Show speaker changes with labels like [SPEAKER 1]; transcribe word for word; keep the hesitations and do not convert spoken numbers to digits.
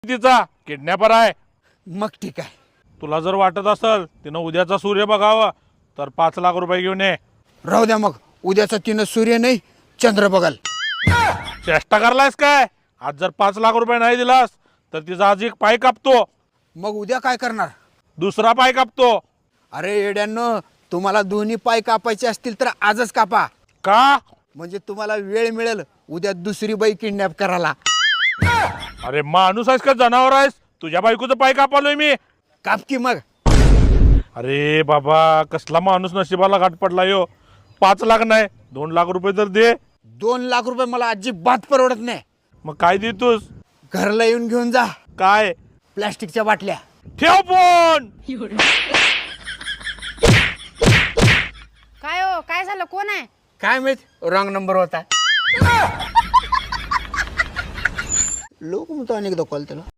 [SPEAKER 1] तिचा किडनॅपर आहे.
[SPEAKER 2] मग ठीक आहे.
[SPEAKER 1] तुला जर वाटत असेल तिनं उद्याचा सूर्य बघावा तर पाच लाख रुपये घेऊन ये.
[SPEAKER 2] राहू द्या मग, उद्याचा तिनं सूर्य नाही चंद्र बघाल.
[SPEAKER 1] चेष्टा करलायस काय? आज जर पाच लाख रुपये नाही दिलास तर तिचा आज एक पाय कापतो.
[SPEAKER 2] मग उद्या काय करणार?
[SPEAKER 1] दुसरा पाय कापतो.
[SPEAKER 2] अरे येड्यांनो, तुम्हाला दोन्ही पाय कापायचे असतील तर आजच कापा.
[SPEAKER 1] का?
[SPEAKER 2] म्हणजे तुम्हाला वेळ मिळेल उद्या दुसरी बाई किडनॅप करायला.
[SPEAKER 1] अरे माणूस आहेस का जनावर आहेस? तुझ्या बायकोचं पाय कापालोय मी.
[SPEAKER 2] काप की मग.
[SPEAKER 1] अरे बाबा, कसला माणूस नशिबाला घाट पडला यो. पाच लाख नाही दोन लाख रुपये तर दे.
[SPEAKER 2] दोन लाख रुपये मला अजिबात परवडत नाही.
[SPEAKER 1] मग काय देतोस?
[SPEAKER 2] घरला येऊन घेऊन जा.
[SPEAKER 1] काय?
[SPEAKER 2] प्लॅस्टिकच्या बाटल्या.
[SPEAKER 1] ठेव फोन.
[SPEAKER 3] काय हो, काय झालं? कोण आहे?
[SPEAKER 2] काय माहित, रॉंग नंबर होता. लोक म्हणतो अनेकदा कॉल त्याला.